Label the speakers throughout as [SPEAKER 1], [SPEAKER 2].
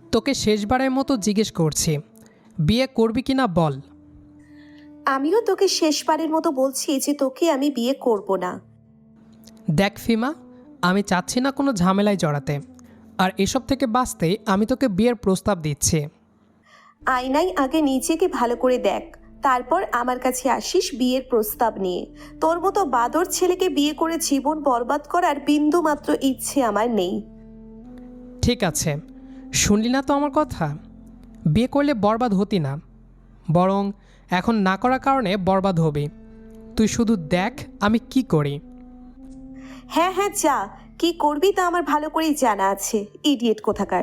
[SPEAKER 1] তোকে শেষবারের মতো জিজ্ঞেস করছি, বিয়ে করবি কি না বল।
[SPEAKER 2] আমিও তোকে শেষবারের মতো বলছি যে তোকে আমি বিয়ে করব না।
[SPEAKER 1] দেখ ফিমা, আমি চাচ্ছি না কোনো ঝামেলায় জড়াতে, আর এসব থেকে বাঁচতে আমি তোকে বিয়ের প্রস্তাব দিচ্ছি।
[SPEAKER 2] আয়নায় আগে নিজেকে ভালো করে দেখ, তারপর আমার কাছে আসিস বিয়ের প্রস্তাব নিয়ে। তোর মতো বাদর ছেলেকে বিয়ে করে জীবন বরবাদ করার বিন্দু মাত্র ইচ্ছে আমার নেই।
[SPEAKER 1] ঠিক আছে, শুনলি না তো আমার কথা? বিয়ে করলে বরবাদ হতি না, বরং এখন না করার কারণে বরবাদ হবি। তুই শুধু দেখ আমি কি করি।
[SPEAKER 2] হ্যাঁ হ্যাঁ, যা, কি করবি তা আমার ভালো করেই জানা আছে, ইডিয়েট কোথাকার।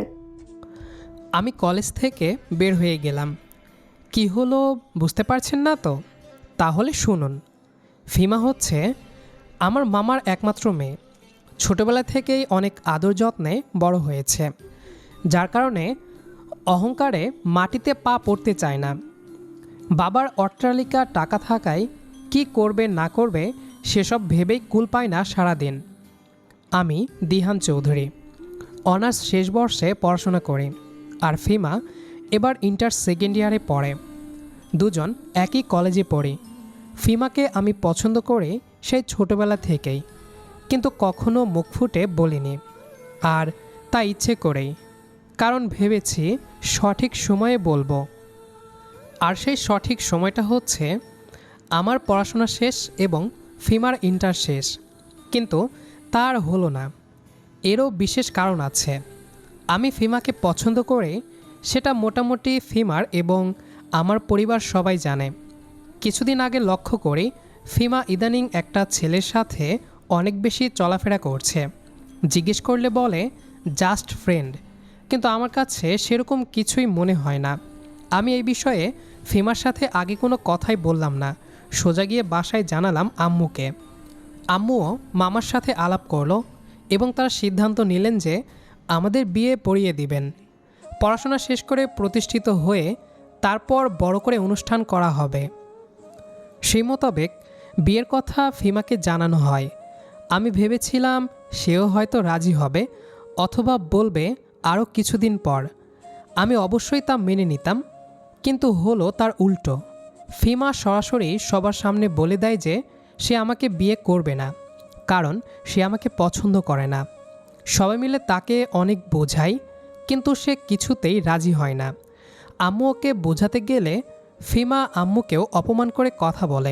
[SPEAKER 1] আমি কলেজ থেকে বের হয়ে গেলাম। কি হলো বুঝতে পারছেন না তো? তাহলে শুনুন। ফিমা হচ্ছে আমার মামার একমাত্র মেয়ে। ছোটবেলা থেকেই অনেক আদর যত্নে বড় হয়েছে, যার কারণে অহংকারে মাটিতে পা পড়তে চায় না। বাবার অট্টালিকা টাকা থাকায় কি করবে না করবে সেসব ভেবেই কুল পায় না সারাদিন। আমি দিহান চৌধুরী, অনার্স শেষ বর্ষে পড়াশোনা করি, আর ফিমা এবার ইন্টার সেকেন্ড ইয়ারে পড়ে। দুজন একই কলেজে পড়ি। ফিমাকে আমি পছন্দ করি সেই ছোটবেলা থেকেই, কিন্তু কখনো মুখ ফুটে বলিনি, আর তা ইচ্ছে করেই, কারণ ভেবেছি সঠিক সময়ে বলবো। আর সেই সঠিক সময়টা হচ্ছে আমার পড়াশোনা শেষ এবং ফিমার ইন্টার শেষ। কিন্তু তার হলো না। এরও বিশেষ কারণ আছে। আমি ফিমাকে পছন্দ করে সেটা মোটামুটি ফিমার এবং আমার পরিবার সবাই জানে। কিছুদিন আগে লক্ষ্য করি ফিমা ইদানিং একটা ছেলের সাথে অনেক বেশি চলাফেরা করছে। জিজ্ঞেস করলে বলে জাস্ট ফ্রেন্ড, কিন্তু আমার কাছে সেরকম কিছুই মনে হয় না। আমি এই বিষয়ে ফিমার সাথে আগে কোনো কথাই বললাম না, সোজা গিয়ে বাসায় জানালাম আম্মুকে। আম্মুও মামার সাথে আলাপ করলো এবং তারা সিদ্ধান্ত নিলেন যে আমাদের বিয়ে পড়িয়ে দিবেন। পড়াশোনা শেষ করে প্রতিষ্ঠিত হয়ে তারপর বড় করে অনুষ্ঠান করা হবে। সেই মোতাবেক বিয়ের কথা ফিমাকে জানানো হয়। আমি ভেবেছিলাম সেও হয়তো রাজি হবে, অথবা বলবে আরও কিছুদিন পর। আমি অবশ্যই তা মেনে নিতাম, কিন্তু হলো তার উল্টো। ফিমা সরাসরি সবার সামনে বলে দেয় যে সে আমাকে বিয়ে করবে না, কারণ সে আমাকে পছন্দ করে না। সবাই মিলে তাকে অনেক বোঝায়, কিন্তু সে কিছুতেই রাজি হয় না। আম্মু ওকে বোঝাতে গেলে ফিমা আম্মুকেও অপমান করে কথা বলে।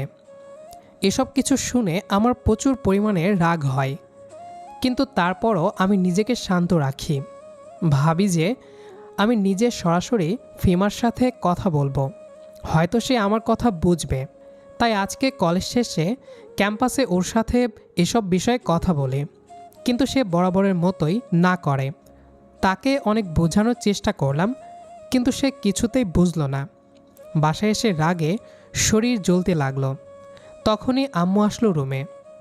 [SPEAKER 1] এসব কিছু শুনে আমার প্রচুর পরিমাণে রাগ হয়, কিন্তু তারপরও আমি নিজেকে শান্ত রাখি। ভাবি যে আমি নিজে সরাসরি ফিমার সাথে কথা বলবো, হয়তো সে আমার কথা বুঝবে। তাই আজকে কলেজ শেষে ক্যাম্পাসে ওর সাথে এসব বিষয়ে কথা বলি, কিন্তু সে বরাবরের মতোই না করে। তাকে অনেক বোঝানোর চেষ্টা করলাম, কিন্তু সে কিছুতেই বুঝলো না। বাসায় এসে রাগে শরীর জ্বলতে লাগলো। তখনই আম্মু আসলো রুমে।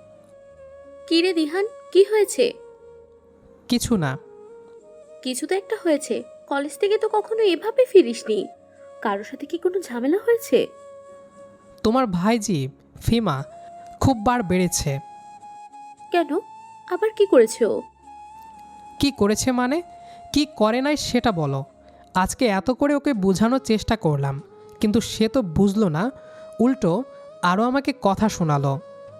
[SPEAKER 3] কি রে দিহান, কি হয়েছে?
[SPEAKER 1] কিছু না।
[SPEAKER 3] কিছু তো একটা হয়েছে। কলেজ থেকে তো কখনো এভাবে ফিরিসনি। কারোর সাথে কি কোনো ঝামেলা হয়েছে?
[SPEAKER 1] তোমার ভাইজি ফিমা খুব বার বেড়েছে।
[SPEAKER 3] কেন? আবার কি করেছে ও?
[SPEAKER 1] কি করেছে মানে? কি করে নাই সেটা বলো। আজকে এত করে ওকে বোঝানোর চেষ্টা করলাম, কিন্তু সে তো বুঝলো না, উল্টো আরও আমাকে কথা শোনালো।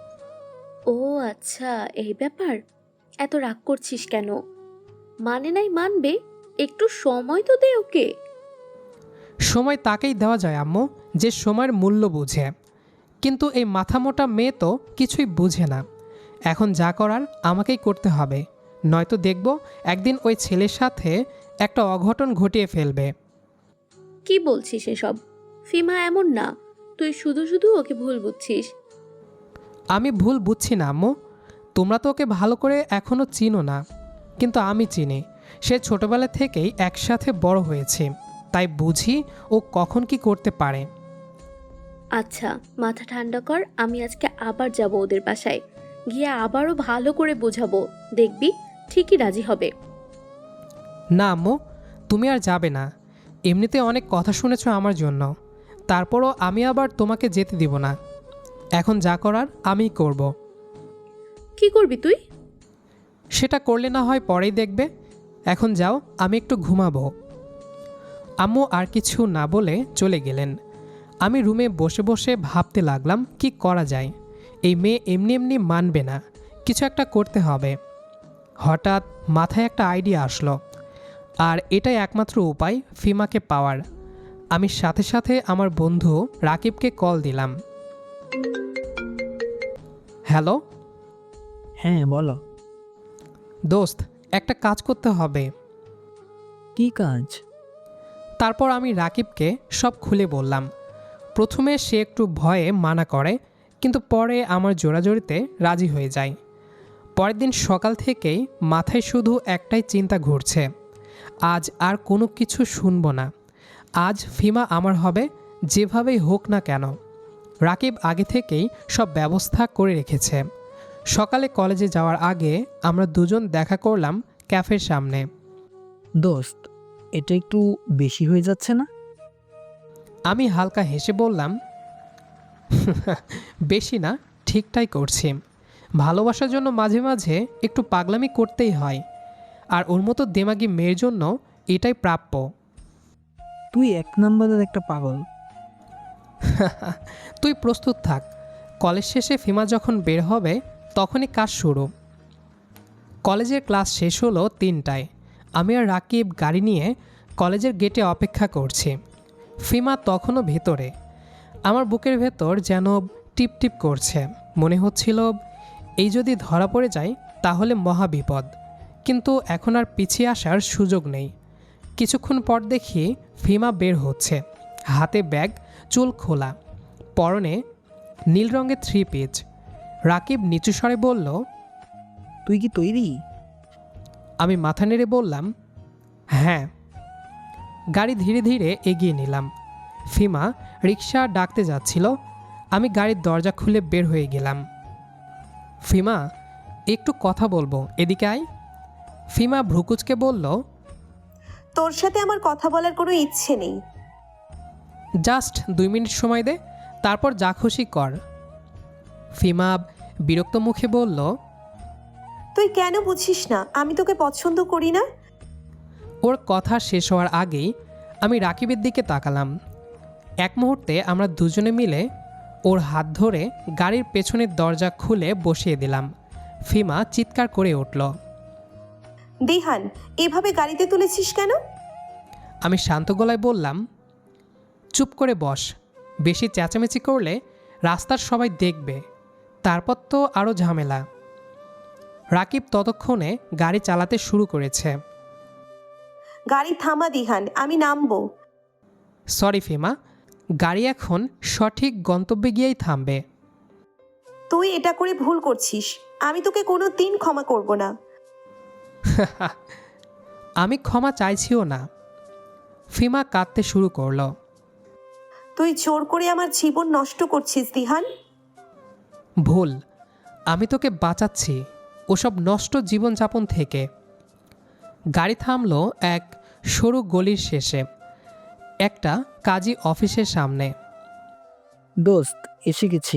[SPEAKER 3] ও আচ্ছা, এই ব্যাপার। এত রাগ করছিস কেন? মানে নাই মানবে, একটু সময় তো দে ওকে।
[SPEAKER 1] সময় তাকেই দেওয়া যায় আম্মু, যে সময়ের মূল্য বুঝে। কিন্তু এই মাথামোটা মেয়ে তো কিছুই বুঝে না। এখন যা করার আমাকেই করতে হবে, নয়তো দেখব একদিন ওই ছেলের সাথে একটা অঘটন ঘটিয়ে ফেলবে।
[SPEAKER 3] কি বলছিস এসব? ফিমা এমন না, তুই শুধু শুধু ওকে ভুল বুঝছিস।
[SPEAKER 1] আমি ভুল বুঝছি না আম্মু। তোমরা তো ওকে ভালো করে এখনও চিনো না, কিন্তু আমি চিনি। সে ছোটবেলা থেকেই একসাথে বড় হয়েছে, তাই বুঝি ও কখন কি করতে পারে।
[SPEAKER 3] আচ্ছা, মাথা ঠান্ডা কর। আমি আজকে আবার যাব ওদের বাসায়, গিয়ে আবারও ভালো করে বোঝাবো। দেখবি ঠিকই রাজি হবে।
[SPEAKER 1] না আম্মু, তুমি আর যাবে না। এমনিতে অনেক কথা শুনেছ আমার জন্য, তারপরও আমি আবার তোমাকে যেতে দিব না। এখন যা করার আমিই করব।
[SPEAKER 3] কি করবি তুই?
[SPEAKER 1] সেটা করলে না হয় পরেই দেখবে। এখন যাও, আমি একটু ঘুমাবো। আম্মু আর কিছু না বলে চলে গেলেন। আমি রুমে বসে বসে ভাবতে লাগলাম কি করা যায়। এই মেয়ে এমনি এমনি মানবে না, কিছু একটা করতে হবে। হঠাৎ মাথায় একটা আইডিয়া আসলো, আর এটাই একমাত্র উপায় ফিমাকে পাওয়ার। আমি সাথে সাথে আমার বন্ধু রাকিবকে কল দিলাম। হ্যালো
[SPEAKER 4] হ্যাঁ বলো।
[SPEAKER 1] দোস্ত, একটা কাজ করতে হবে।
[SPEAKER 4] কি কাজ?
[SPEAKER 1] তারপর আমি রাকিবকে সব খুলে বললাম। প্রথমে সে একটু ভয়ে মানা করে, কিন্তু পরে আমার জোরাজোরিতে রাজি হয়ে যায়। পরের দিন সকাল থেকেই মাথায় শুধু একটাই চিন্তা ঘুরছে, আজ আর কোনো কিছু শুনবো না। আজ ফিমা আমার হবে, যেভাবেই হোক না কেন। রাকিব আগে থেকেই সব ব্যবস্থা করে রেখেছে। সকালে কলেজে যাওয়ার আগে আমরা দুজন দেখা করলাম ক্যাফের সামনে।
[SPEAKER 4] দোস্ত, এটা একটু বেশি হয়ে যাচ্ছে না?
[SPEAKER 1] আমি হালকা হেসে বললাম, বেশি না, ঠিকটাই করছি। ভালোবাসার জন্য মাঝে মাঝে একটু পাগলামি করতেই হয়, আর ওর মতো দেমাগি মেয়ের জন্য এটাই প্রাপ্য।
[SPEAKER 4] তুই এক নম্বরের একটা পাগল।
[SPEAKER 1] তুই প্রস্তুত থাক, কলেজ শেষে ফিমা যখন বের হবে তখনই কাজ শুরু। কলেজের ক্লাস শেষ হলো 3টায়। আমি আর রাকিব গাড়ি নিয়ে কলেজের গেটে অপেক্ষা করছি। ফিমা তখনও ভেতরে। আমার বুকের ভেতর যেন টিপ টিপ করছে। মনে হচ্ছিল এই যদি ধরা পড়ে যায় তাহলে মহা বিপদ, কিন্তু এখন আর পিছিয়ে আসার সুযোগ নেই। কিছুক্ষণ পর দেখি ফিমা বের হচ্ছে, হাতে ব্যাগ, চুল খোলা, পরনে নীল রঙের 3 পিস। রাকিব নিচু স্বরে বলল,
[SPEAKER 4] তুই কি তৈরি?
[SPEAKER 1] আমি মাথা নেড়ে বললাম, হ্যাঁ। গাড়ি ধীরে ধীরে এগিয়ে নিলাম। ফিমা রিক্সা ডাকতে যাচ্ছিল। আমি গাড়ির দরজা খুলে বের হয়ে গেলাম। ফিমা, একটু কথা বলবো, এদিকে আয়। ফিমা ভ্রুকুচকে বলল,
[SPEAKER 2] তোর সাথে আমার কথা বলার কোনো ইচ্ছে নেই।
[SPEAKER 1] জাস্ট 2 মিনিট সময় দে, তারপর যা খুশি কর। ফিমা বিরক্ত মুখে বলল,
[SPEAKER 2] তুই কেন বুঝিস না আমি তোকে পছন্দ করি না?
[SPEAKER 1] ওর কথা শেষ হওয়ার আগেই আমি রাকিবের দিকে তাকালাম। এক মুহূর্তে আমরা দুজনে মিলে ওর হাত ধরে গাড়ির পেছনের দরজা খুলে বসিয়ে দিলাম। ফিমা চিৎকার করে উঠল।
[SPEAKER 2] দিহান, এভাবে গাড়িতে তুলেছিস কেন?
[SPEAKER 1] আমি শান্ত গলায় বললাম, চুপ করে বস, বেশি চেঁচামেচি করলে রাস্তার সবাই দেখবে, তারপর তো আরও ঝামেলা। রাকিব ততক্ষণে গাড়ি চালাতে শুরু করেছে।
[SPEAKER 2] গাড়ি থামা দিহান, আমি নামবো।
[SPEAKER 1] সরি ফিমা, গাড়ি এখন সঠিক গন্তব্যে গিয়েই থামবে।
[SPEAKER 2] তুই এটা করে ভুল করছিস, আমি তোকে কোনো দিন ক্ষমা করব না।
[SPEAKER 1] আমি ক্ষমা চাইছিও না। ফিমা কাঁদতে শুরু করলো।
[SPEAKER 2] তুই জোর করে আমার জীবন নষ্ট করছিস দিহান।
[SPEAKER 1] ভুল, আমি তোকে বাঁচাচ্ছি ওসব নষ্ট জীবনযাপন থেকে। গাড়ি থামলো এক সরু গলির শেষে, একটা কাজী অফিসের সামনে।
[SPEAKER 4] দোস্ত, এসে গেছি।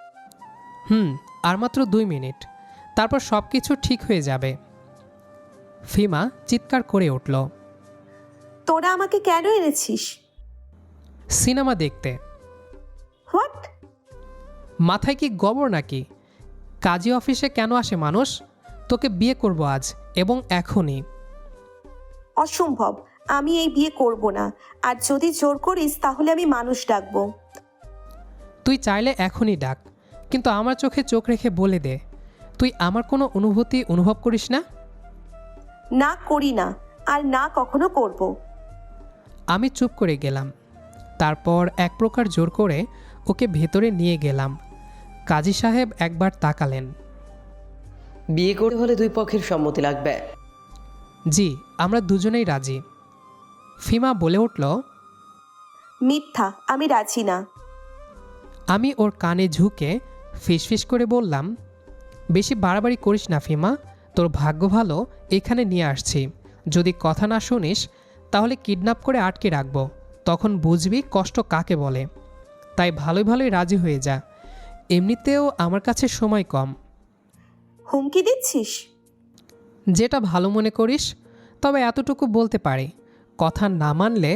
[SPEAKER 1] আর মাত্র 2 মিনিট, তারপর সব কিছু ঠিক হয়ে যাবে। ফিমা চিৎকার করে উঠল,
[SPEAKER 2] তোরা আমাকে কেন এনেছিস?
[SPEAKER 1] সিনেমা দেখতে।
[SPEAKER 2] হোয়াট?
[SPEAKER 1] মাথায় কি গোবর নাকি? কাজী অফিসে কেন আসে মানুষ? তোকে বিয়ে করব আজ, এবং এখনই।
[SPEAKER 2] অসম্ভব, আমি এই বিয়ে করব না। আর যদি জোর করিস তাহলে আমি মানুষ ডাকবো।
[SPEAKER 1] তুই চাইলে এখনই ডাক, কিন্তু আমার চোখে চোখ রেখে বলে দে, তুই আমার কোনো অনুভূতি অনুভব করিস না?
[SPEAKER 2] না, করি না, আর না কখনো করব।
[SPEAKER 1] আমি চুপ করে গেলাম। তারপর এক প্রকার জোর করে ওকে ভেতরে নিয়ে গেলাম। কাজী সাহেব একবার তাকালেন।
[SPEAKER 5] বিয়ে করতে হলে 2 পক্ষের সম্মতি লাগবে।
[SPEAKER 1] জি, আমরা দুজনেই রাজি। ফিমা বলে উঠল,
[SPEAKER 2] মিথ্যা, আমি রাজি না।
[SPEAKER 1] আমি ওর কানে ঝুঁকে ফিসফিস করে বললাম, বেশি বাড়াবাড়ি করিস না ফিমা, তোর ভাগ্য ভালো এখানে নিয়ে আসছি। যদি কথা না শুনিস তাহলে কিডন্যাপ করে আটকে রাখবো, তখন বুঝবি কষ্ট কাকে বলে। তাই ভালোই ভালোই রাজি হয়ে যা, এমনিতেও আমার কাছে সময় কম।
[SPEAKER 2] হুমকি দিচ্ছিস?
[SPEAKER 1] যেটা ভালো মনে করিস, তবে এতটুকু বলতে পারি, কথা না মানলে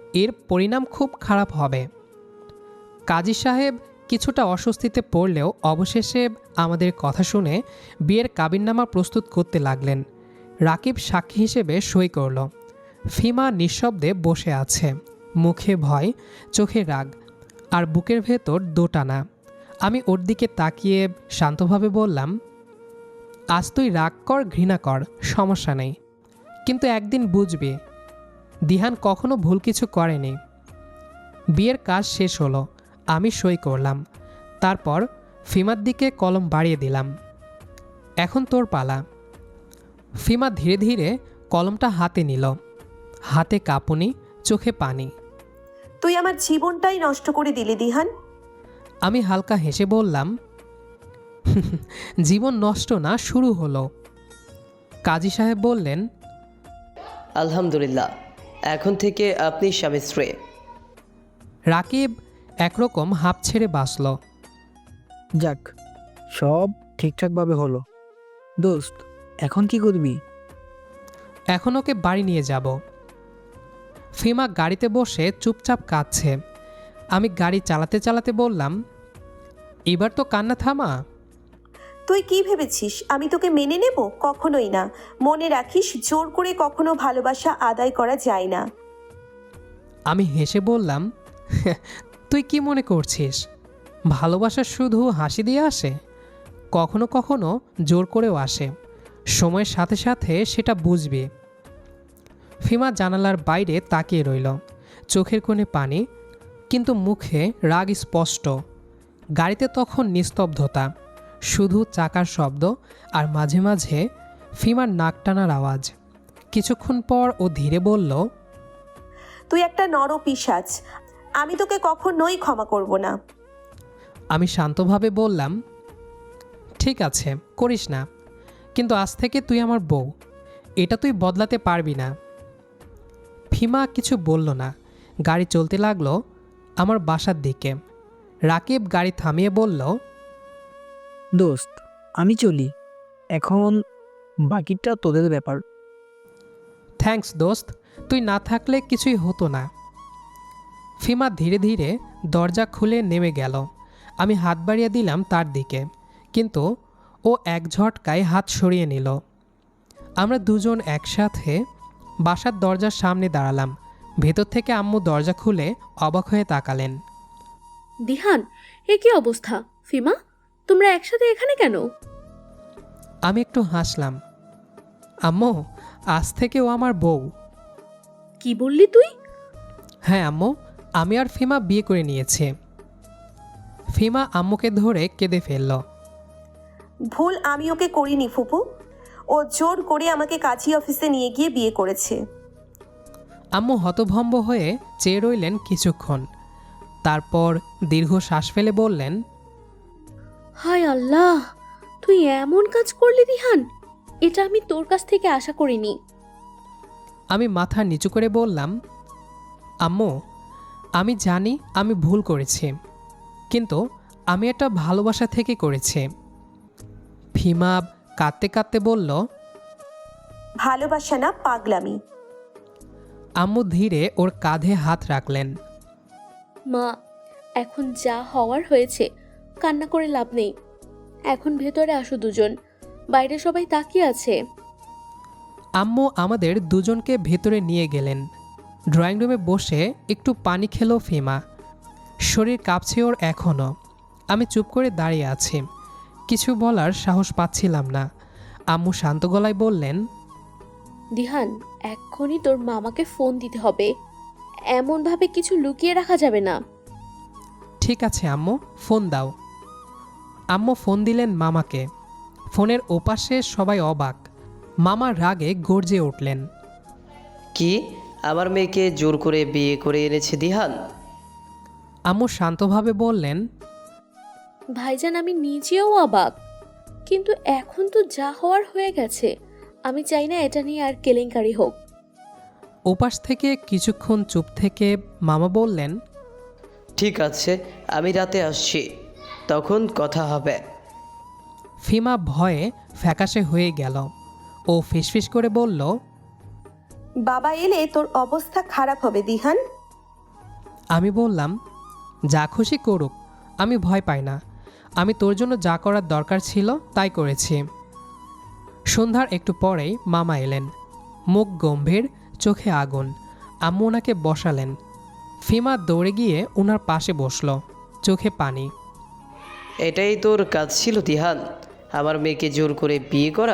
[SPEAKER 1] এর পরিণাম খুব খারাপ হবে। কাজী সাহেব কিছুটা অস্বস্তিতে পড়লেও অবশেষে আমাদের কথা শুনে বিয়ের কাবিননামা প্রস্তুত করতে লাগলেন। রাকিব সাক্ষী হিসেবে সই করল। ফিমা নিঃশব্দে বসে আছে, মুখে ভয়, চোখে রাগ, আর বুকের ভেতর দোটানা। আমি ওর দিকে তাকিয়ে শান্তভাবে বললাম, আজ তুই রাগ কর, ঘৃণা কর, সমস্যা নেই, কিন্তু একদিন বুঝবি দিহান কখনো ভুল কিছু করেনি। বিয়ের কাজ শেষ হলো, আমি সই করলাম। তারপর ফিমার দিকে কলম বাড়িয়ে দিলাম। এখন তোর পালা। ফিমা ধীরে ধীরে কলমটা হাতে নিল, হাতে কাঁপুনি, চোখে পানি।
[SPEAKER 2] তুই আমার জীবনটাই নষ্ট করে দিলি দিহান।
[SPEAKER 1] আমি হালকা হেসে বললাম, জীবন নষ্ট না, শুরু হলো। কাজী সাহেব বললেন,
[SPEAKER 5] আলহামদুলিল্লাহ, এখন থেকে আপনি স্বামী স্ত্রী।
[SPEAKER 1] রাকিব একরকম হাঁপ ছেড়ে বাঁচল।
[SPEAKER 4] যাক, সব ঠিকঠাকভাবে হলো। দোস্ত, এখন কি করবি?
[SPEAKER 1] এখন ওকে বাড়ি নিয়ে যাব। ফিমা গাড়িতে বসে চুপচাপ কাঁদছে। আমি গাড়ি চালাতে চালাতে বললাম, এবার তো কান্না থামা।
[SPEAKER 2] তুই কি ভেবেছিস আমি তোকে মেনে নেব? কখনোই না। মনে রাখিস, জোর করে কখনো ভালোবাসা আদায় করা যায় না।
[SPEAKER 1] আমি হেসে বললাম, তুই কি মনে করছিস ভালোবাসা শুধু হাসি দিয়ে আসে? কখনো কখনো জোর করেও আসে। সময়ের সাথে সাথে সেটা বুঝবি। ফিমা জানালার বাইরে তাকিয়ে রইল, চোখের কোণে পানি, কিন্তু মুখে রাগ স্পষ্ট। গাড়িতে তখন নিস্তব্ধতা, শুধু চাকার শব্দ আর মাঝে মাঝে ফিমার নাক টানার আওয়াজ। কিছুক্ষণ পর ও ধীরে বলল,
[SPEAKER 2] তুই একটা নরপিশাচ, আমি তোকে কখনোই ক্ষমা করব না।
[SPEAKER 1] আমি শান্তভাবে বললাম, ঠিক আছে, করিস না, কিন্তু আজ থেকে তুই আমার বউ, এটা তুই বদলাতে পারবি না। ফিমা কিছু বলল না। গাড়ি চলতে লাগলো আমার বাসার দিকে। রাকিব গাড়ি থামিয়ে বলল,
[SPEAKER 4] দোস্ত, আমি চলি, এখন বাকিটা তোদের ব্যাপার।
[SPEAKER 1] থ্যাঙ্কস দোস্ত, তুই না থাকলে কিছুই হতো না। ফিমা ধীরে ধীরে দরজা খুলে নেমে গেল। আমি হাত বাড়িয়ে দিলাম তার দিকে, কিন্তু ও এক ঝটকায় হাত সরিয়ে নিল। আমরা দুজন একসাথে বাসার দরজার সামনে দাঁড়ালাম। ভেতর থেকে আম্মু দরজা খুলে অবাক হয়ে তাকালেন।
[SPEAKER 3] দিহান, এ কি অবস্থা? ফিমা, তোমরা একসাথে এখানে কেন?
[SPEAKER 1] আমি একটু হাসলাম। আম্মু, আজ থেকে ও আমার বউ।
[SPEAKER 3] কি বললি তুই?
[SPEAKER 1] হ্যাঁ আম্মু, আমি আর ফিমা বিয়ে করে নিয়েছি। ফিমা আম্মুকে ধরে কেঁদে ফেলল।
[SPEAKER 2] ভুল আমি ওকে করিনি ফুপু। ও জোর করে আমাকে কাজী অফিসে নিয়ে গিয়ে বিয়ে করেছে।
[SPEAKER 1] আম্মু হতভম্ব হয়ে চেয়ে রইলেন কিছুক্ষণ, তারপর দীর্ঘ শ্বাস ফেলে বললেন,
[SPEAKER 3] হায় আল্লাহ, তুই এমন কাজ করলি দিহান, এটা আমি তোর কাছ থেকে আশা করিনি।
[SPEAKER 1] আমি মাথা নিচু করে বললাম, আম্মু, আমি জানি আমি ভুল করেছি, কিন্তু আমি এটা ভালোবাসা থেকে করেছি। ফিমা কাঁদতে কাঁদতে বলল,
[SPEAKER 2] ভালোবাসা না, পাগলামি।
[SPEAKER 1] আম্মু ধীরে ওর কাঁধে হাত রাখলেন।
[SPEAKER 3] মা, এখন যা হওয়ার হয়েছে, কান্না করে লাভ নেই। এখন ভেতরে আসো দুজন, বাইরে সবাই তাকিয়ে আছে।
[SPEAKER 1] আম্মু আমাদের দুজনকে ভেতরে নিয়ে গেলেন। ড্রয়িং রুমে বসে একটু পানি খেলো ফিমা। শরীর কাঁপছে ওর এখনও। আমি চুপ করে দাঁড়িয়ে আছি, কিছু বলার সাহস পাচ্ছিলাম না। আম্মু শান্ত গলায় বললেন,
[SPEAKER 3] দিহান, এক্ষুনি তোর মামাকে ফোন দিতে হবে। এমনভাবে কিছু লুকিয়ে রাখা যাবে না।
[SPEAKER 1] ঠিক আছে আম্মু, ফোন দাও। আম্মু ফোন দিলেন মামাকে। ফোনের ওপাশে সবাই অবাক। মামা রাগে গর্জে উঠলেন।
[SPEAKER 5] কি, আমার মেয়েকে জোর করে বিয়ে করে এনেছে দিহান?
[SPEAKER 1] আম্মু শান্তভাবে বললেন,
[SPEAKER 3] ভাইজান, আমি নিজেও অবাক, কিন্তু এখন তো যা হওয়ার হয়ে গেছে। আমি চাই না এটা নিয়ে আর কেলেঙ্কারি হোক।
[SPEAKER 1] ওপাশ থেকে কিছুক্ষণ চুপ থেকে মামা বললেন,
[SPEAKER 5] ঠিক আছে, আমি রাতে আসছি, তখন কথা হবে।
[SPEAKER 1] ফিমা ভয়ে ফ্যাকাশে হয়ে গেল। ও ফিসফিস করে বলল,
[SPEAKER 2] বাবা এলে তোর অবস্থা খারাপ হবে দিহান।
[SPEAKER 1] আমি বললাম, যা খুশি করুক, আমি ভয় পাই না। আমি তোর জন্য যা করার দরকার ছিল তাই করেছি। সন্ধ্যার একটু পরেই মামা এলেন, মুখ গম্ভীর, চোখে আগুন। আম্মু ওনাকে বসালেন। ফিমা দৌড়ে গিয়ে ওনার পাশে বসল, চোখে পানি।
[SPEAKER 5] এটাই তোর কাজ ছিল দিহান, আমার মেয়েকে জোর করে বিয়ে করা?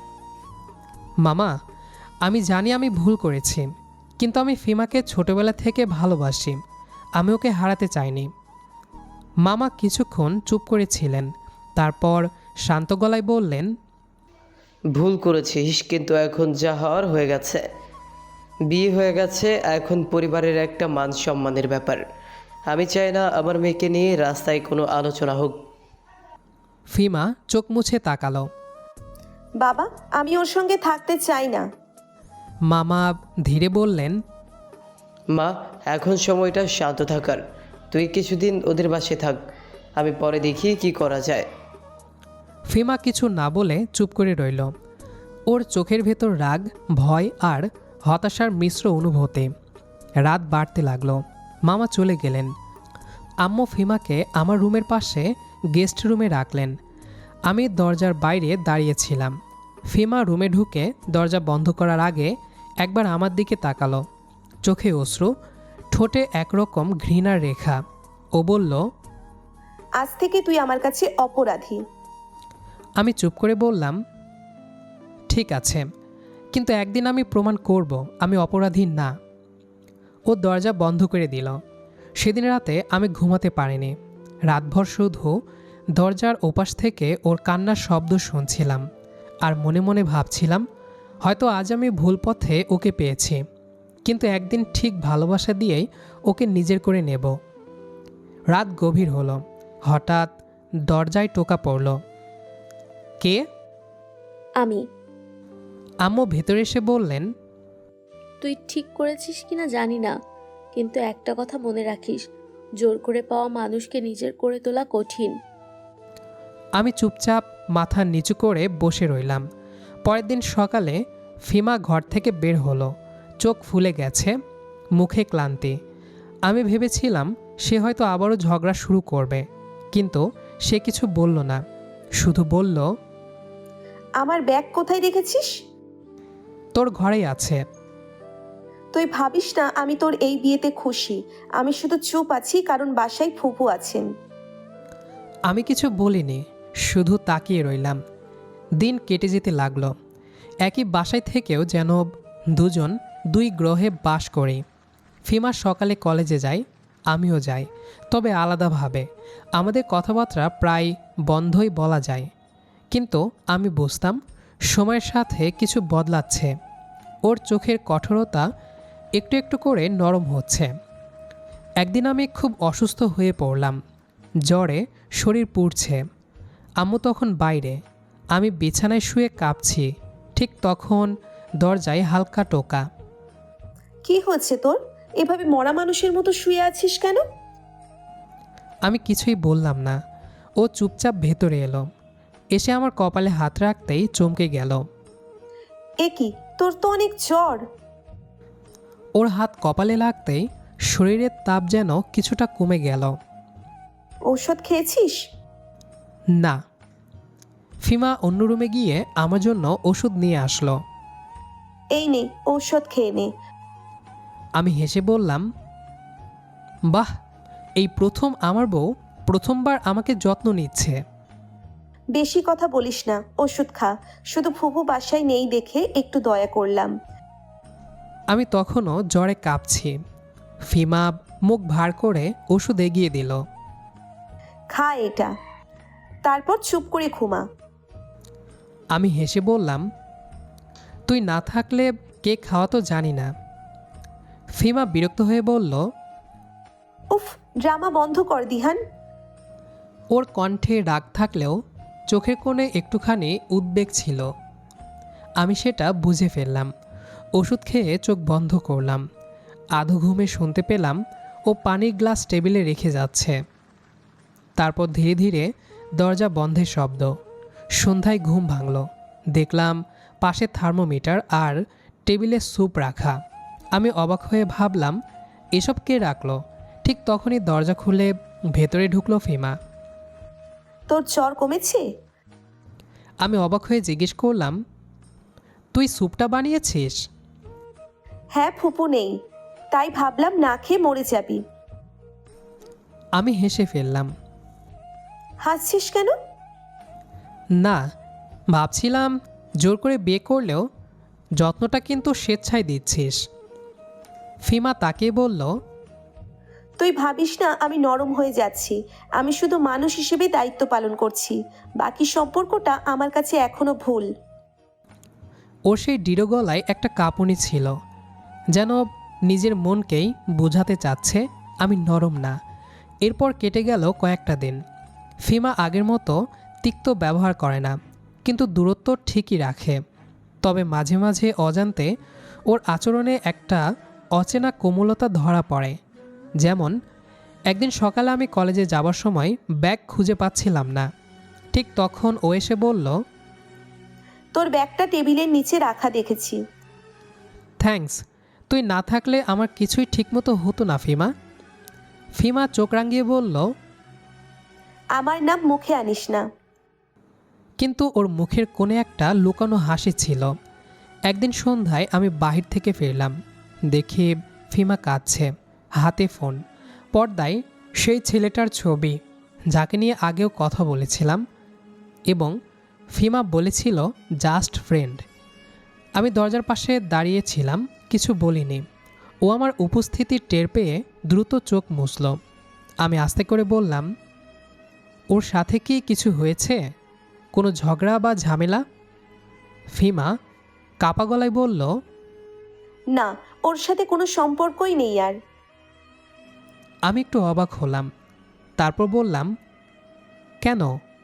[SPEAKER 1] মামা, আমি জানি আমি ভুল করেছি, কিন্তু আমি ফিমাকে ছোটবেলা থেকে ভালোবাসি। আমি ওকে হারাতে চাইনি। মামা কিছুক্ষণ চুপ করেছিলেন, তারপর শান্ত গলায় বললেন,
[SPEAKER 5] ভুল করেছিস, কিন্তু এখন যা হওয়ার হয়ে গেছে। বিয়ে হয়ে গেছে, এখন পরিবারের একটা মান সম্মানের ব্যাপার। আমি চাই না আমার মেয়েকে নিয়ে রাস্তায় কোনো আলোচনা হোক।
[SPEAKER 1] ফিমা চোখ মুছে তাকালো।
[SPEAKER 2] বাবা, আমি ওর সঙ্গে থাকতে চাই না।
[SPEAKER 1] মামা ধীরে বললেন,
[SPEAKER 5] মা, এখন সময়টা শান্ত থাকার। তুই কিছুদিন ওদের বাসায় থাক, আমি পরে দেখি কি করা যায়।
[SPEAKER 1] ফিমা কিছু না বলে চুপ করে রইল। ওর চোখের ভেতর রাগ, ভয় আর হতাশার মিশ্র অনুভূতি। রাত বাড়তে লাগলো। মামা চলে গেলেন। আম্মু ফিমাকে আমার রুমের পাশে গেস্ট রুমে রাখলেন। আমি দরজার বাইরে দাঁড়িয়েছিলাম। ফিমা রুমে ঢুকে দরজা বন্ধ করার আগে একবার আমার দিকে তাকালো, চোখে অশ্রু, ঠোঁটে একরকম ঘৃণার রেখা। ও বলল,
[SPEAKER 2] আজ থেকে তুই আমার কাছে অপরাধী।
[SPEAKER 1] আমি চুপ করে বললাম, ঠিক আছে, কিন্তু একদিন আমি প্রমাণ করব আমি অপরাধী না। ও দরজা বন্ধ করে দিল। সেদিন রাতে আমি ঘুমাতে পারিনি। রাতভর শুধু দরজার ওপাশ থেকে ওর কান্নার শব্দ শুনছিলাম, আর মনে মনে ভাবছিলাম, হয়তো আজ আমি ভুল পথে ওকে পেয়েছি, কিন্তু একদিন ঠিক ভালোবাসা দিয়েই ওকে নিজের করে নেব। রাত গভীর হলো। হঠাৎ দরজায় টোকা পড়ল। কে?
[SPEAKER 3] আমি।
[SPEAKER 1] আম্মু ভেতরে এসে বললেন,
[SPEAKER 3] তুই ঠিক করেছিস কিনা জানি না, কিন্তু একটা কথা মনে রাখিস, জোর করে পাওয়া মানুষকে নিজের করে তোলা কঠিন।
[SPEAKER 1] আমি চুপচাপ মাথা নিচু করে বসে রইলাম। পরের দিন সকালে ফিমা ঘর থেকে বের হলো, চোখ ফুলে গেছে, মুখে ক্লান্তি। আমি ভেবেছিলাম সে হয়তো আবারও ঝগড়া শুরু করবে, কিন্তু সে কিছু বলল না, শুধু বলল,
[SPEAKER 2] আমার ব্যাগ কোথায় রেখেছিস?
[SPEAKER 1] তোর ঘরেই আছে।
[SPEAKER 2] তুই ভাবিস না আমি তোর এই বিয়েতে খুশি। আমি শুধু চুপ আছি কারণ বাসায় ফুপু আছেন।
[SPEAKER 1] আমি কিছু বলিনি, শুধু তাকিয়ে রইলাম। দিন কেটে যেতে লাগলো। একই বাসায় থেকেও যেন দুজন দুই গ্রহে বাস করি। ফিমা সকালে কলেজে যায়, আমিও যাই, তবে আলাদাভাবে। আমাদের কথাবার্তা প্রায় বন্ধই বলা যায়, কিন্তু আমি বুঝতাম সময়ের সাথে কিছু বদলাচ্ছে। ওর চোখের কঠোরতা একটু একটু করে নরম হচ্ছে। একদিন আমি খুব অসুস্থ হয়ে পড়লাম, জ্বরে শরীর পুড়ছে। আম্মু তখন বাইরে, আমি বিছানায় শুয়ে কাঁপছি। ঠিক তখন দরজায় হালকা টোকা।
[SPEAKER 2] কি হচ্ছে তোর? এভাবে মরা মানুষের মতো শুয়ে আছিস কেন?
[SPEAKER 1] আমি কিছুই বললাম না। ও চুপচাপ ভেতরে এলো, এসে আমার কপালে হাত রাখতেই চমকে গেল।
[SPEAKER 2] এ কি, তোর তো অনেক জ্বর।
[SPEAKER 1] ওর হাত কপালে লাগতেই শরীরের তাপ যেন কিছুটা কমে গেল।
[SPEAKER 2] ঔষধ খেয়েছিস?
[SPEAKER 1] না। ফিমা অন্য রুমে গিয়ে আমার জন্য ওষুধ নিয়ে আসলো।
[SPEAKER 2] এই নে, ঔষধ খেয়ে নে।
[SPEAKER 1] আমি হেসে বললাম, বাহ, এই প্রথম আমার বউ প্রথমবার আমাকে যত্ন নিচ্ছে।
[SPEAKER 2] বেশি কথা বলিস না, ওষুধ খা। শুধু ফুপু বাসায় নেই দেখে একটু দয়া করলাম।
[SPEAKER 1] আমি তখনও জ্বরে কাঁপছি। ফিমা মুখ ভার করে ওষুধ এগিয়ে দিল।
[SPEAKER 2] খা এটা, তারপর চুপ করে ঘুমা।
[SPEAKER 1] আমি হেসে বললাম, তুই না থাকলে কে খাওয়া তো জানি না। ফিমা বিরক্ত হয়ে বলল,
[SPEAKER 2] উফ, ড্রামা বন্ধ কর দিহান।
[SPEAKER 1] ওর কণ্ঠে রাগ থাকলেও চোখের কোণে একটুখানি উদ্বেগ ছিল। আমি সেটা বুঝে ফেললাম। ওষুধ খেয়ে চোখ বন্ধ করলাম। আধো ঘুমে শুনতে পেলাম ও পানির গ্লাস টেবিলে রেখে যাচ্ছে। তারপর ধীরে ধীরে দরজা বন্ধের শব্দ। সন্ধ্যায় ঘুম ভাঙল। দেখলাম পাশে থার্মোমিটার আর টেবিলে স্যুপ রাখা। আমি অবাক হয়ে ভাবলাম, এসব কে রাখলো? ঠিক তখনই দরজা খুলে ভেতরে ঢুকলো ফিমা।
[SPEAKER 2] তোর জ্বর কমেছে?
[SPEAKER 1] আমি অবাক হয়ে জিজ্ঞেস করলাম, তুই স্যুপটা বানিয়েছিস?
[SPEAKER 2] হ্যাঁ, ফুপু নেই, তাই ভাবলাম না খেয়ে মরে যাবি।
[SPEAKER 1] আমি হেসে ফেললাম।
[SPEAKER 2] হাসছিস কেন?
[SPEAKER 1] না, ভাবছিলাম জোর করে বিয়ে করলেও যত্নটা কিন্তু স্বেচ্ছায় দিচ্ছিস। ফিমা তাকিয়ে বলল,
[SPEAKER 2] তুই ভাবিস না আমি নরম হয়ে যাচ্ছি। আমি শুধু মানুষ হিসেবে দায়িত্ব পালন করছি। বাকি সম্পর্কটা আমার কাছে এখনো ভুল।
[SPEAKER 1] ওর সেই দৃঢ় গলায় একটা কাঁপুনি ছিল, যেন নিজের মনকেই বোঝাতে চাচ্ছে আমি নরম না। এরপর কেটে গেল কয়েকটা দিন। ফিমা আগের মতো তিক্ত ব্যবহার করে না, কিন্তু দূরত্ব ঠিকই রাখে। তবে মাঝে মাঝে অজান্তে ওর আচরণে একটা অচেনা কোমলতা ধরা পড়ে। যেমন একদিন সকালে আমি কলেজে যাবার সময় ব্যাগ খুঁজে পাচ্ছিলাম না। ঠিক তখন ও এসে বলল,
[SPEAKER 2] তোর ব্যাগটা টেবিলের নিচে রাখা দেখেছি।
[SPEAKER 1] থ্যাঙ্কস, তুই না থাকলে আমার কিছুই ঠিকমতো হতো না ফিমা। ফিমা চোখ রাঙিয়ে বলল,
[SPEAKER 2] আমার নাম মুখে আনিস না।
[SPEAKER 1] কিন্তু ওর মুখের কোণে একটা লুকানো হাসি ছিল। একদিন সন্ধ্যায় আমি বাহির থেকে ফিরলাম, দেখি ফিমা কাঁদছে, হাতে ফোন। পর্দায় সেই ছেলেটার ছবি যাকে নিয়ে আগেও কথা বলেছিলাম, এবং ফিমা বলেছিল জাস্ট ফ্রেন্ড। আমি দরজার পাশে দাঁড়িয়েছিলাম, কিছু বলিনি। ও আমার উপস্থিতি টের পেয়ে দ্রুত চোখ মুছল। আমি আস্তে করে বললাম, ওর সাথে কি কিছু হয়েছে? কোনো ঝগড়া বা ঝামেলা? ফিমা কাপা গলায় বলল,
[SPEAKER 2] না, ওর সাথে কোনো সম্পর্কই নেই আর।
[SPEAKER 1] আমি একটু অবাক হলাম। তারপর বললাম, কেন?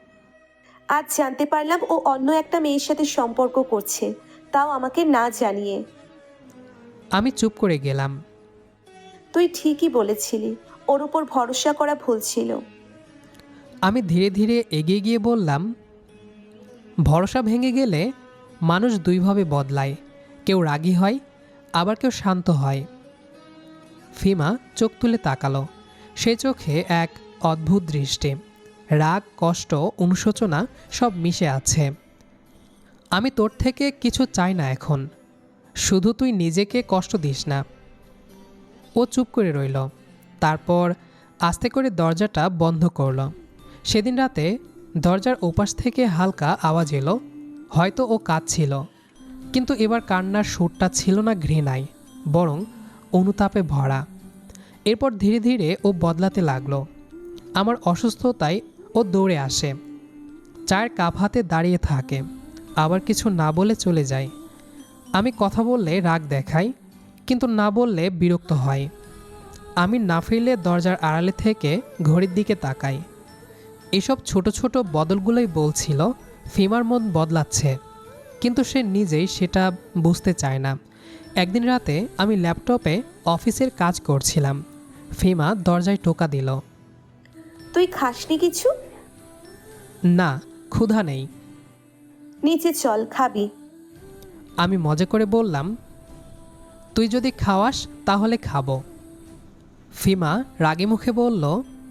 [SPEAKER 2] আজ জানতে পারলাম ও অন্য একটা মেয়ের সাথে সম্পর্ক করছে, তাও আমাকে না জানিয়ে।
[SPEAKER 1] আমি চুপ করে গেলাম।
[SPEAKER 2] তুই ঠিকই বলেছিলি, ওর উপর ভরসা করা ভুল ছিল।
[SPEAKER 1] আমি ধীরে ধীরে এগিয়ে গিয়ে বললাম, ভরসা ভেঙে গেলে মানুষ দুইভাবে বদলায়, কেউ রাগী হয়, আবার কেউ শান্ত হয়। ফিমা চোখ তুলে তাকালো। সে চোখে এক অদ্ভুত দৃষ্টি, রাগ, কষ্ট, অনুশোচনা সব মিশে আছে। আমি তোর থেকে কিছু চাই না এখন, শুধু তুই নিজেকে কষ্ট দিস না। ও চুপ করে রইল, তারপর আস্তে করে দরজাটা বন্ধ করল। সেদিন রাতে দরজার ওপাশ থেকে হালকা আওয়াজ এলো। হয়তো ও কাঁদছিল, কিন্তু এবার কান্নার সুরটা ছিল না ঘৃণায়, বরং অনুতাপে ভরা। এরপর ধীরে ধীরে ও বদলাতে লাগলো। আমার অসুস্থতায় ও দৌড়ে আসে, চায়ের কাপ হাতে দাঁড়িয়ে থাকে, আবার কিছু না বলে চলে যায়। আমি কথা বললে রাগ দেখাই, কিন্তু না বললে বিরক্ত হয়। আমি না ফিরলে দরজার আড়ালে থেকে ঘড়ির দিকে তাকাই। এসব ছোট ছোট বদলগুলোই বলছিল ফিমার মন বদলাচ্ছে, কিন্তু সে নিজেই সেটা বুঝতে চায় না। একদিন রাতে আমি ল্যাপটপে অফিসের কাজ করছিলাম। ফিমা দরজায় টোকা দিল।
[SPEAKER 2] তুই খাসনি কিছু?
[SPEAKER 1] না, ক্ষুধা নেই।
[SPEAKER 2] নিচে চল, খাবি।
[SPEAKER 1] আমি মজা করে বললাম, তুই যদি খাওয়াস তাহলে খাবো। ফিমা রাগে মুখে বলল,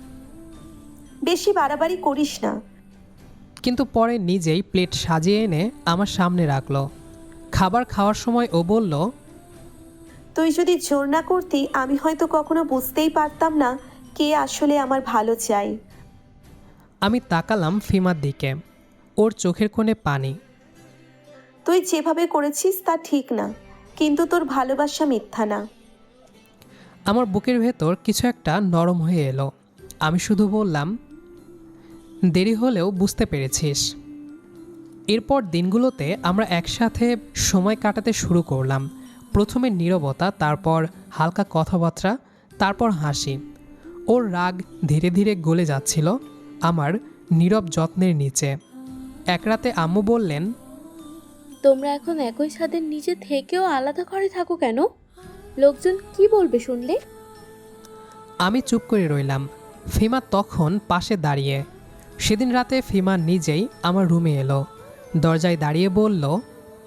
[SPEAKER 2] বেশি বাড়াবাড়ি করিস না।
[SPEAKER 1] কিন্তু পরে নিজেই প্লেট সাজিয়ে এনে আমার সামনে রাখলো। খাবার খাওয়ার সময় ও বলল,
[SPEAKER 2] তুই যদি জোর না করতি আমি হয়তো কখনো বুঝতেই পারতাম না কে আসলে আমার ভালো চাই।
[SPEAKER 1] আমি তাকালাম ফিমার দিকে, ওর চোখের কোণে পানি।
[SPEAKER 2] তুই যেভাবে করেছিস তা ঠিক না, কিন্তু তোর ভালোবাসা মিথ্যা না।
[SPEAKER 1] আমার বুকের ভেতর কিছু একটা নরম হয়ে এলো। আমি শুধু বললাম, দেরি হলেও বুঝতে পেরেছিস। এরপর দিনগুলোতে আমরা একসাথে সময় কাটাতে শুরু করলাম। প্রথমে নীরবতা, তারপর হালকা কথাবার্তা, তারপর হাসি। ওর রাগ ধীরে ধীরে গলে যাচ্ছিল আমার নীরব যত্নের নিচে। এক রাতে আম্মু বললেন,
[SPEAKER 3] তোমরা এখন একই ছাদের নিচে থেকেও আলাদা ঘরে থাকো কেন? লোকজন কি বলবে শুনলে?
[SPEAKER 1] আমি চুপ করে রইলাম। ফিমা তখন পাশে দাঁড়িয়ে। সেদিন রাতে ফিমা নিজেই আমার রুমে এলো, দরজায় দাঁড়িয়ে বলল,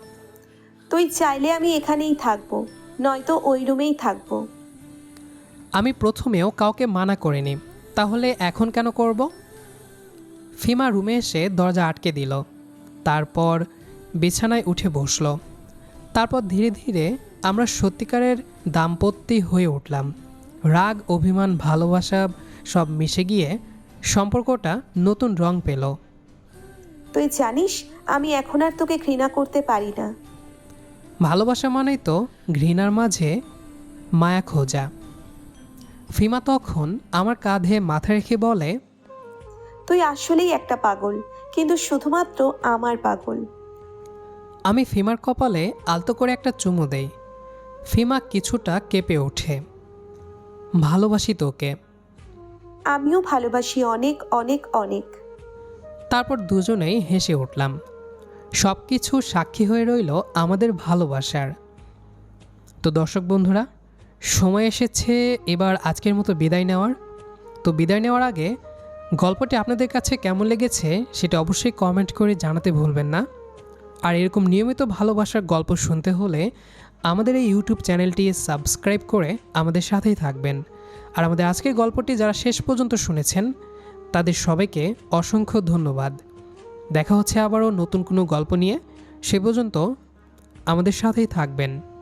[SPEAKER 2] তুই চাইলে আমি এখানেই থাকবো, নয়তো ওই রুমেই থাকবো।
[SPEAKER 1] আমি প্রথমেও কাউকে মানা করিনি, তাহলে এখন কেন করব? ফিমা রুমে এসে দরজা আটকে দিল, তারপর বিছানায় উঠে বসলো। তারপর ধীরে ধীরে আমরা সত্যিকারের দাম্পত্য হয়ে উঠলাম। রাগ, অভিমান, ভালোবাসা সব মিশে গিয়ে সম্পর্কটা নতুন রং পেল।
[SPEAKER 2] তুই জানিস আমি এখন আর তোকে ঘৃণা করতে পারি না।
[SPEAKER 1] ভালোবাসা মানেই তো ঘৃণার মাঝে মায়া খোঁজা। ফিমা তখন আমার কাঁধে মাথা রেখে বলে,
[SPEAKER 2] তুই আসলেই একটা পাগল, কিন্তু শুধুমাত্র আমার পাগল।
[SPEAKER 1] আমি ফিমার কপালে আলতো করে একটা চুমু দেই। ফিমা কিছুটা কেঁপে ওঠে। ভালোবাসি তোকে।
[SPEAKER 2] আমিও ভালোবাসি, অনেক অনেক অনেক।
[SPEAKER 1] তারপর দুজনেই হেসে উঠলাম। সব কিছু সাক্ষী হয়ে রইল আমাদের ভালোবাসার। তো দর্শক বন্ধুরা, সময় এসেছে এবার আজকের মতো বিদায় নেওয়ার। তো বিদায় নেওয়ার আগে গল্পটি আপনাদের কাছে কেমন লেগেছে সেটা অবশ্যই কমেন্ট করে জানাতে ভুলবেন না। আর এরকম নিয়মিত ভালোবাসার গল্প শুনতে হলে আমাদের এই ইউটিউব চ্যানেলটি সাবস্ক্রাইব করে আমাদের সাথেই থাকবেন। আর আমাদের আজকের গল্পটি যারা শেষ পর্যন্ত শুনেছেন তাদের সবাইকে অসংখ্য ধন্যবাদ। দেখা হচ্ছে আবারও নতুন কোনো গল্প নিয়ে। সে পর্যন্ত আমাদের সাথেই থাকবেন।